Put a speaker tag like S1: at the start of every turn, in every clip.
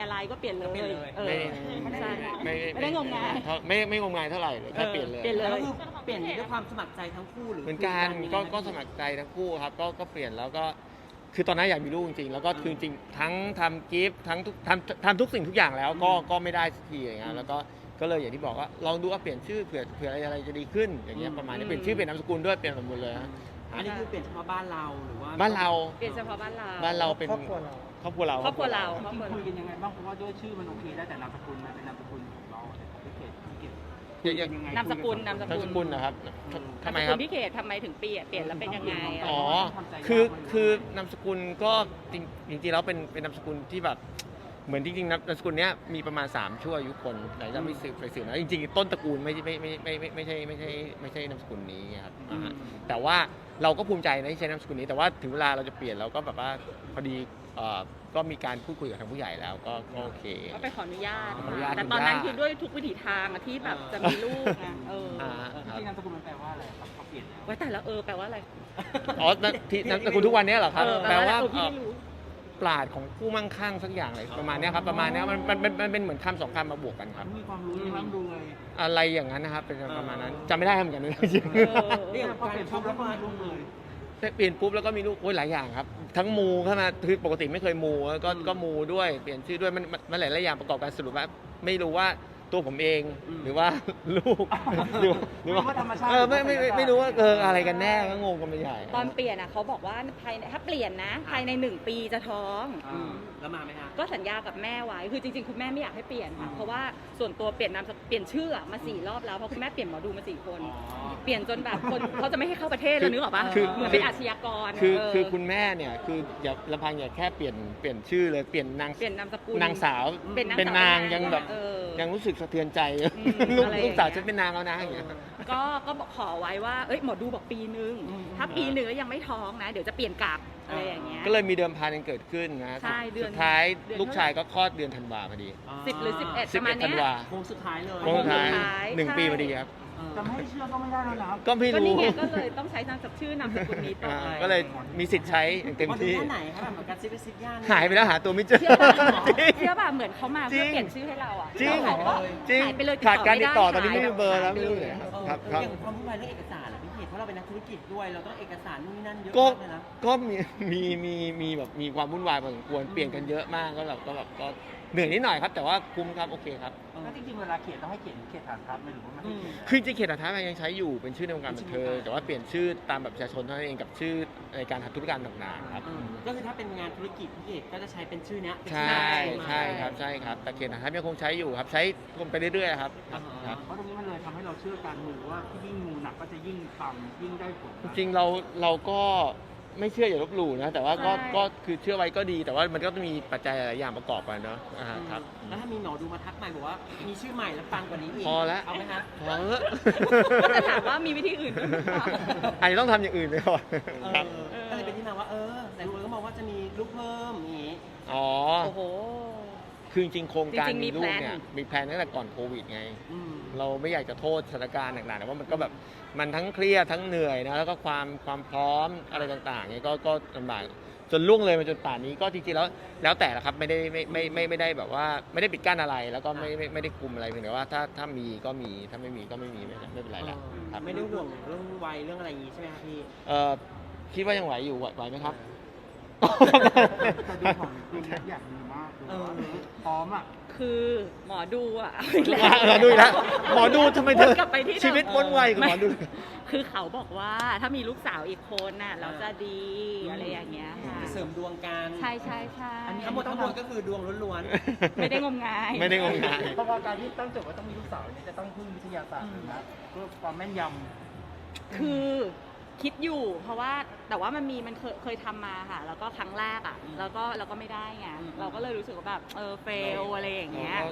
S1: อะไรก็เปลี่ยนเลยใช่ไม่ได้งมงาย
S2: ไม่งมงายเท่าไหร่เลยแค่เปลี่ยนเลย
S1: แล้ว
S3: คือเปลี่ยนด้วยความสมัครใจทั้งคู่หรือ
S2: เหมือนกันก็สมัครใจทั้งคู่ครับก็เปลี่ยนแล้วก็คือตอนนั้นอยากมีลูกจริงๆแล้วก็คือจริงทั้งทำกิฟต์ทั้งทำทุกสิ่งทุกอย่างแล้วก็ไม่ได้สักทีอย่างเงี้ยแล้วก็เลยอย่างที่บอกว่าลองดูว่าเปลี่ยนชื่อเผื่ออะไรจะดีขึ้นอย่างเงี้ยประมาณนี้เปลี่ยนชื่อเปลี่ยนนามสกุลด้วยเปลี่ยนหมดเลยฮะ
S3: อันนี้คือเปลี่ยนเฉพาะบ้านเราหรือว่า
S2: บ้านเรา
S1: เปลี่ยนเฉพาะบ้าน
S2: เราเป็นครอบครัวเรา
S3: คุยกันยังไงบ้างเพราะว่าด้วยชื่อมันโอเคได้แต่นามสกุลมันเป็นนามสกุลของเราพี่เกด
S1: นามสกุล
S2: นะครับทำไมครับ
S1: พี่เขตทำไมถึงเปลี่ยนแล้วเป็นยังไง
S2: อ๋อคือนามสกุลก็จริงๆแล้วเป็นนามสกุลที่แบบเหมือนจริงๆนามสกุลเนี้ยมีประมาณ3ชั่วอายุคนไหนจะไม่สืบนะจริงๆต้นตระกูลไม่ใช่นามสกุลนี้ครับแต่ว่าเราก็ภูมิใจนะที่ใช้นามสกุลนี้แต่ว่าถึงเวลาเราจะเปลี่ยนเราก็แบบว่าพอดีก็มีการพูดคุยกับทางผู้ใหญ่แล้วก็โอเค
S1: ก็ไปขออนุญาตแต่ตอนนั้นคือด้วยทุกวิถีทางที่แบบจะมีลูกไง
S3: ที่นามสกุลมันแปลว่าอะไรครับเขาเปลี่ยน
S1: ไว้แต่ละแปลว่าอะไร
S2: อ๋อที่นามสกุลทุกวันนี้เหรอครับแปลว่าปราดของผู้มั่งคั่งสักอย่างอะไรประมาณนี้ครับประมาณนี้มันเป็นเหมือนคำ2 คำมาบวกกันครับ
S3: มีความรู้ร่ำรวย
S2: อะไรอย่างนั้นนะครับเป็นประมาณนั้นจำไม่ได้เหมือนกันเลยจริง
S3: เรียกพอเปลี่ยนปุ๊บแล้วก็รุ่งเลย
S2: เปลี่ยนปุ๊บแล้วก็มีลูกโอ้ยหลายอย่างครับทั้งมูเข้ามาคือปกติไม่เคยมูก็มูด้วยเปลี่ยนชื่อด้วยมันหลายอย่างประกอบกันสรุปว่าไม่รู้ว่าตัวผมเองหรือว่าลูกหรือว่า
S3: ธรรมชาติ
S2: ไม่รู้ว่าอะไรกันแน่ก็งงกันไปใหญ่
S1: ตอนเปลี่ยนเขาบอกว่าถ้าเปลี่ยนนะภายใน1 ปีจะท้อง
S3: แล้วมาไหมคะ
S1: ก็สัญญากับแม่ไว้คือจริงๆคุณแม่ไม่อยากให้เปลี่ยนค่ะเพราะว่าส่วนตัวเปลี่ยนชื่อมา4 รอบแล้วเพราะคุณแม่เปลี่ยนหมอดูมา4 คนเปลี่ยนจนแบบคนเขาจะไม่ให้เข้าประเทศแล้วนึกออกปะเหมือนเป็นอาชญากร
S2: คือคุณแม่เนี่ยคืออย่าลำพังอย่าแค่เปลี่ยนชื่อเลยเปลี่ยนนาม
S1: สกุล
S2: นางสาวเป็นนางยังแบบยังรู้สึกสะเทือนใจลูกสาวฉันเป็นนางแล้วนะอย่างเงี้ย
S1: ก็ขอไว้ว่าหมอดูบอกปีนึงถ้าปีนึงแล้วยังไม่ท้องนะเดี๋ยวจะเปลี่ยนกลับอะไรอย่างเงี้ย
S2: ก็เลยมีเดิมพันกันเกิดขึ้นนะสุดท้ายลูกชายก็คลอดเดือนธันวาพอดี
S1: 10 หรือ 11ประมาณนี้
S3: โค้งสุดท้ายเลย
S2: โค้งสุดท้าย1 ปีพอดีครับ
S3: จะไม่เชื่อก็ไม่ได้แล้วนะ
S2: ก็ไม่รู้
S1: ก็เลยต้องใช้ชื่อนามสกุลนี้ต่อ
S2: ก็เลยมีสิทธิ์ใช้อย่างเต็มที่
S3: ไหนครับแบบการซิปย่าน
S2: หายไปแล้วหาตัวไม่เจอ
S1: เชื่อป่ะเหมือนเขามาเพื่อเปลี่ยนชื่อให้เราอ่ะ
S2: จริง
S1: หายไปเลย
S2: ขาดการติดต่อตอนนี้ไม่มีเบอร์แล้วไม่รู้เลย
S3: ครับอย่างความวุ่นวายเรื่องเอกสารพี่เขตเพราะเราเป็นนักธุรกิจด้วยเราต้องเอกสารนู่นนี่นั่นเยอะมากเลยนะ
S2: ก็มีแบบมีความวุ่นวายพอสมควรเปลี่ยนกันเยอะมากก็แบบเหนื่อยนิดหน่อยครับแต่ว่าคุ้มครับโอเคครับ
S3: แล้วจริงๆเวลาเขียนต้องให้เขียนฐานทัพไหมหรือว่าไม่ได้
S2: คือจริงเขียนฐานทัพยังใช้อยู่เป็นชื่อในวงการบันเทิงแต่ว่าเปลี่ยนชื่อตามแบบประชาชนเท่านั้นเองกับชื่อในการทำธุรการต่างๆครับ
S3: ก็คือถ้าเป็นงานธุรกิจพี่เอกก็จะใช้เป็นชื่อนี้
S2: ใช่ครับแต่เขียนฐานทัพยังคงใช้อยู่ครับใช้ไปเรื่อยๆครับ
S3: เพราะตรงนี้มันเลยทำให้เราเชื่อการมูว่าที่ยิ่งมูหนักก็จะยิ่งปังยิ่งได้ผล
S2: จริงเราก็ไม่เชื่ออย่าลบหลู่นะแต่ว่าก็คือเชื่อไว้ก็ดีแต่ว่ามันก็ต้องมีปัจจัยหลายอย่างประกอบกันเนาะครับ
S3: แล้วถ้ามีหมอดูมาทักใหม่บอกว่ามีชื่อใหม่แล้วปังกว่านี้อีก
S2: พอแล้ว
S3: เอาไหมคะ
S2: พอแล้ว
S1: ก็จะถามว่ามีวิธีอื่นไหม
S2: อาจจะต้องทำอย่างอื่นไปก่อน
S3: ก็เลยเป็นที่มาว่าแต่คนก็มองว่าจะมีลูกเพิ่มอย่างนี้
S2: อ๋อ
S1: โอ้โห
S2: คือจริงโครงการมีลูกเนี่ยมีแพลนตั้งแต่ก่อนโควิดไงเราไม่อยากจะโทษสถานการณ์ต่างๆแต่ว่ามันก็แบบมันทั้งเครียดทั้งเหนื่อยนะแล้วก็ความพร้อมอะไรต่างๆเนี่ยก็ลำบากจนล่วงเลยมาจนป่านนี้ก็จริงๆแล้วแต่ละครับไม่ได้แบบว่าไม่ได้ปิดกั้นอะไรแล้วก็ไม่ได้คุมอะไรเพียงแต่ว่าถ้ามีก็มีถ้าไม่มีก็ไม่มีไม่เป็นไรแล้ว
S3: ครับไม่ได้ห่วงเรื่องวัยเรื่องอะไรอย่างนี้ใช่ไหมครับพี่
S2: คิดว่ายังไหวอยู่ไหวไหมครับ
S3: แต่ดูของคุณอยากมีมากพร้อมอ่ะ
S1: คือหมอดู
S2: ดูอีกแล้วหมอดูทำไมเธอชีวิตวนไวกับหมอดู
S1: คือเขาบอกว่าถ้ามีลูกสาวอีกคนน่ะเราจะดีอะไรอย่างเงี้ยค่ะ
S3: เสริมดวงกัน
S1: ใช่
S3: ทั้งหมดทั้งมวลก็คือดวงล้วน
S1: ๆไม่ได้งมงาย
S3: เพราะการที่ตั้งโจทย์ว่าต้องมีลูกสาวเนี่ยจะต้องพึ่งวิทยาศาสตร์นะเพื่อความแม่นย
S1: ำคือคิดอยู่เพราะว่าแต่ว่ามันเคยทำมาค่ะแล้วก็ครั้งแรกอ่ะแล้วก็ไม่ได้ไงเราก็เลยรู้สึกว่าแบบเฟลอะไรอย่างเงี้ย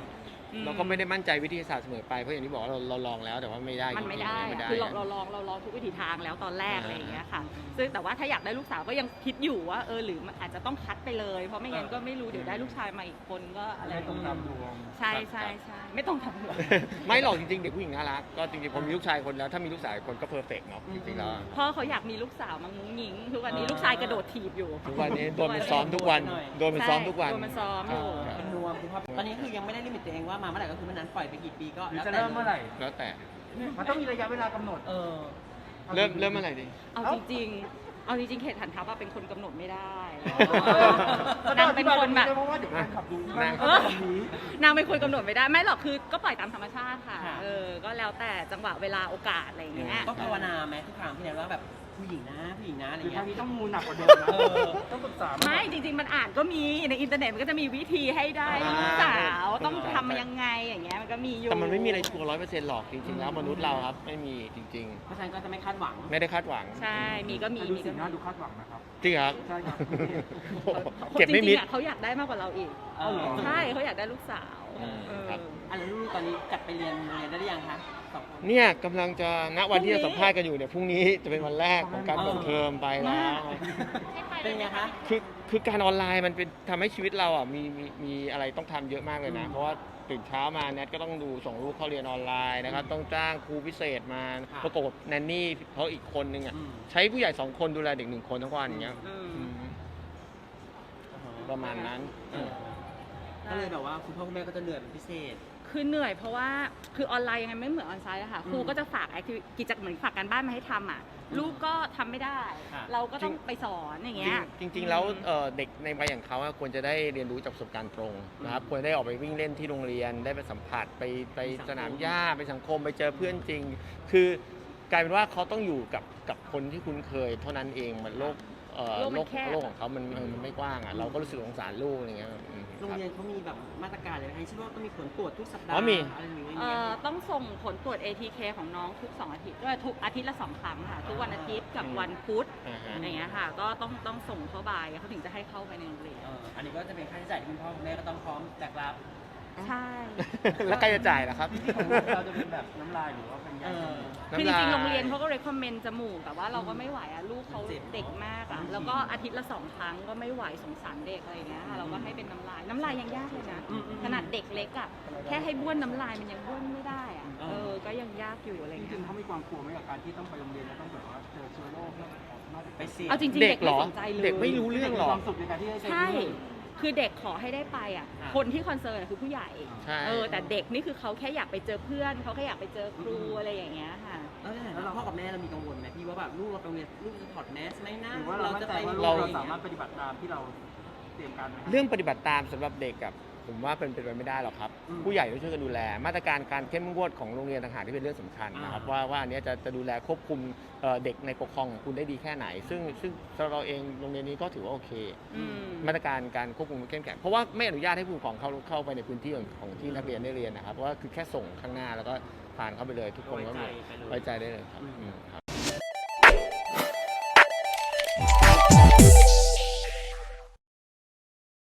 S2: เราก็ไม่ได้มั่นใจวิทยาศาสตร์เสมอไปเพราะอย่างที่บอกว่าเราลองแล้วแต่ว่าไม่ได้
S1: มันไม่
S2: จริง
S1: ได้
S2: ๆไม่
S1: อะ
S2: ได้
S1: คือเราลองทุกวิถีทางแล้วตอนแรกอะไรอย่างเงี้ยค่ะซึ่งแต่ว่าถ้าอยากได้ลูกสาวก็ยังคิดอยู่ว่าหรือมันอาจจะต้องคัดไปเลยเพราะไม่งั้นก็ไม่รู้เดี๋ยวได้ลูกชายมาอีกคนก็อะไร
S3: ไม่ตรงตามดวง
S1: ใช่ใช่ใช่ไม่ต้องทำหรอก
S2: ไม่หรอกจริงๆเด็กผู้หญิงน่ารักก็จริงๆผมมีลูกชายคนแล้วถ้ามีลูกสาวอีกคนก็เพอร์เฟกต์เนาะจริงๆแล้ว
S1: พ่อเขาอยากมีลูกสาวมังงุ้งงิ้งทุกวันนี้ลูกชายกระโดดถีบอยู่
S2: ทุกวันนี้โดนมันซ้อมทุกวันโดนมันซ้อมทุกวัน
S1: โดนมันซ้อมอยู่
S2: ครับ
S4: เป็นนวมคุณพ่อตอนนี้คือยังไม่ได้ลิมิตตัวเองว่ามาเมื่อไหร่ก็คือเมื่อนั้นปล่อยไปกี่ปีก็
S3: หรือ
S4: แล้ว
S3: จะ
S4: แต่
S3: เริ่มเมื่อไหร่
S2: แล้วแต่
S3: มันต้องมีระยะเวลากำหนด
S4: เออ
S2: เริ่มเมื่อไหร่ดี
S1: เอาจริงๆเอาจริงๆเขตฐานทัพอะเป็นคนกำหนดไม่ได้
S3: ก็
S1: นางเป็นคนแบบ
S3: เพราะว่าเดี๋ยวแฟนขับดูที่บ้าน
S1: เอ
S3: เขา
S1: อ
S3: จะมี
S1: นางเป็นคนกำหนดไม่ได้ไม่หรอกคือก็ปล่อยตามธรรมชาติค่ะ
S4: ค่ะ
S1: ก็แล้วแต่จังหวะเวลาโอกาสอะไรอย่างเงี้ย
S4: ต้องภาวนาไหมทุกครั้งที่ไหนว่าแบบผู้หญิงนะผู้หญิงนะอะไร
S3: หรือ
S4: เงี้
S3: ทาง
S4: ย
S3: นี้ต้องมูหนักกว่าเดิมนะ
S4: เออ
S3: ต้องปรึกษา
S1: ไม่จริงๆมันอ่านก็มีในอินเทอร์เน็ตมันก็จะมีวิธีให้ได้ลูกสาวต้องทำยังไงอย่างเงี้ยมันก็มีอยู่
S2: แต่มันไม่มีอะไรชัวร์100%หรอกจริงๆแล้วมนุษย์เราครับไม่มีจริง
S4: เพราะฉะนั้นก็จะไม่คาดหวัง
S2: ๆ ไม่ได้คาดหวัง
S1: ใช่มีก็มี
S3: ดู
S1: มี
S3: สี
S1: ก็
S3: หน้า
S1: มี
S3: ดูคาดหวังนะครับ
S2: จริงครับ
S3: ใช่ครับ
S2: โอ้โหเก็บไม่มิด
S1: จริงๆอะเขาอยากได้มากกว่าเราอีก
S4: เออ
S1: ใช่เขาอยากได้ลูกสาว
S2: ครับ
S4: อันแล้วลูกตอนนี้กลับไปเรียนโรงเรียนได้หรือยังคะสองคน
S2: เนี่ยกำลังจะณวันที่จะสัมภาษณ์กันอยู่เนี่ยพรุ่งนี้จะเป็นวันแรกของการเปิดเทอมไปแล้ว
S4: เป็นไงคะ
S2: คือการออนไลน์มันเป็นทำให้ชีวิตเราอ่ะมีอะไรต้องทำเยอะมากเลยนะ เพราะว่าตื่นเช้ามาแนทก็ต้องดูส่งลูกเข้าเรียนออนไลน์นะครับต้องจ้างครูพิเศษมา
S4: ค่ะ
S2: ประกบกับแนนนี่เขาอีกคนนึงอ่ะ
S4: อืม
S2: ใช้ผู้ใหญ่2 คนดูแลเด็ก1 คนทั้งวันอย่างเงี้ย
S1: อืม
S2: อืมประมาณนั้น
S4: เออก็เลยแบบว่าคุณพ่อคุณแม่ก็จะเหนื่อยเป็นพิเศษ
S1: คือเหนื่อยเพราะว่าคือออนไลน์ยังไงไม่เหมือนออนไซต์อะค่ะครูก็จะฝากกิจกรรมเหมือนฝากการบ้านมาให้ทำอะลูกก็ทำไม่ได้
S4: ค่ะ
S1: เราก็ต้องไปสอนอย่างเงี้ย
S2: จริงๆแล้วเด็กในวัยอย่างเขาอะควรจะได้เรียนรู้จากประสบการณ์ตรงนะครับควรได้ออกไปวิ่งเล่นที่โรงเรียนได้ไปสัมผัสไปสนามหญ้าไปสังคมไปเจอเพื่อนจริง คือกลายเป็นว่าเขาต้องอยู่กับคนที่คุ้นเคย เท่านั้นเองมันโลก
S1: โลกมันแคบ
S2: โลกของเขามันไม่กว้างอ่ะเราก็รู้สึกสงสารลูกอะไรเงี้ยอืม
S4: โรง
S2: ครับ
S4: เรียนเขามีแบบมาตรการอะไรไหมคะเช่นว่าต้องมีผลตรวจทุกสัปดาห์
S2: อ๋อมี
S4: อะไรอย่างเงี้ย
S1: ต้องส่งผลตรวจ ATK ของน้องทุก2 อาทิตย์ด้วยทุกอาทิตย์ละ2 ครั้งค่ะทุกวันอาทิตย์กับวันพุธ
S2: อ่าฮะ
S1: อย่างเงี้ยค่ะก็ต้องส่งเข้าบ่ายเขาถึงจะให้เข้าไปในโรงเรียน
S4: อันนี้ก็จะเป็นค่าใช้จ่ายที่คุณพ่อคุณแม่ก็ต้องพร้อมแบกรับ
S1: ใช่
S2: แล้วใครจะจ่ายล่ะครับ
S3: ที่ของลูกเราจะเป็นแบบน้ำลายหรือว่าเป็นยา
S1: คือจ
S2: น้ำลาย
S1: ริงๆโรงเรียนเขาก็ recommend จมูกแต่ว่าเราก็ไม่ไหวอะลูกเขา
S4: เจ็บ
S1: เด็กมากอะแล้วก็อาทิตย์ละ2 ครั้งก็ไม่ไหวสงสารเด็กอะไรอย่างเงี้ยค่ะเราก็ให้เป็นน้ำลายยังยากเลยนะขนาดเด็กเล็กอะแค่ให้บ้วนน้ำลายมันยังบ้วนไม่ได้อะก็ยังยากอยู่อะไร
S3: จ
S1: เงี้
S3: ริง
S1: ย
S3: ๆเขามีความกลัวไหมกับการที่ต้องไปโรงเรียนแล้วต้องแบบว่าเจอเชื้อโรคเนี่ยน่าจะ
S4: ไปเสี่ยง
S1: เอาจริงๆ
S2: เด็
S1: เด็
S2: ก
S1: ก
S2: เหร
S1: ไม่
S2: อ
S1: สนใจเลย
S2: เด็กไม่รู้เรื่องหร
S3: มี
S2: อ
S3: ความสุขในการที่ได้เจอ
S1: ใช่
S3: เรื่อง
S1: คือเด็กขอให้ได้ไปอ่ะ
S4: อ่ะ
S1: คนที่คอนเซิร์นคือผู้ใหญ่
S2: ใช่
S1: แต่เด็กนี่คือเขาแค่อยากไปเจอเพื่อนเขาแค่อยากไปเจอครูอะไรอย่างเงี้ยค่ะ
S4: แล้วในฐานะพ่อกับแม่เรามีกังวลไหมพี่ว่าแบบลูกเราไปโรงเรียนลูกจะถอดแมสไหมนะ
S3: หรือว่าเรามั่นใจว่าลูก
S2: เรา
S3: เราสามารถปฏิบัติตามที่เราเตรียมการไว้
S2: เรื่องปฏิบัติตามสำหรับเด็กกับผมว่าเป็นไปไม่ได้หรอกครับ ผู้ใหญ่ต้องช่วยกันดูแล มาตรการการเข้มงวดของโรงเรียนต่างหากที่เป็นเรื่องสำคัญนะครับว่าอันเนี้ยจะดูแลควบคุมเด็กในปกครองของคุณได้ดีแค่ไหน ซึ่งสำหรับเราเองโรงเรียนนี้ก็ถือว่าโอเค
S1: อืม
S2: มาตรการการควบคุมเข้มแข็งเพราะว่าไม่อนุญาตให้ผู้ปกครองเข้าไปในพื้นที่ของที่นักเรียนได้เรียนนะครับเพราะว่าคือแค่ส่งข้างหน้าแล้วก็ผ่านเข้าไปเลยทุกคนก็ไว้ใจได้เลยครับอืมครับ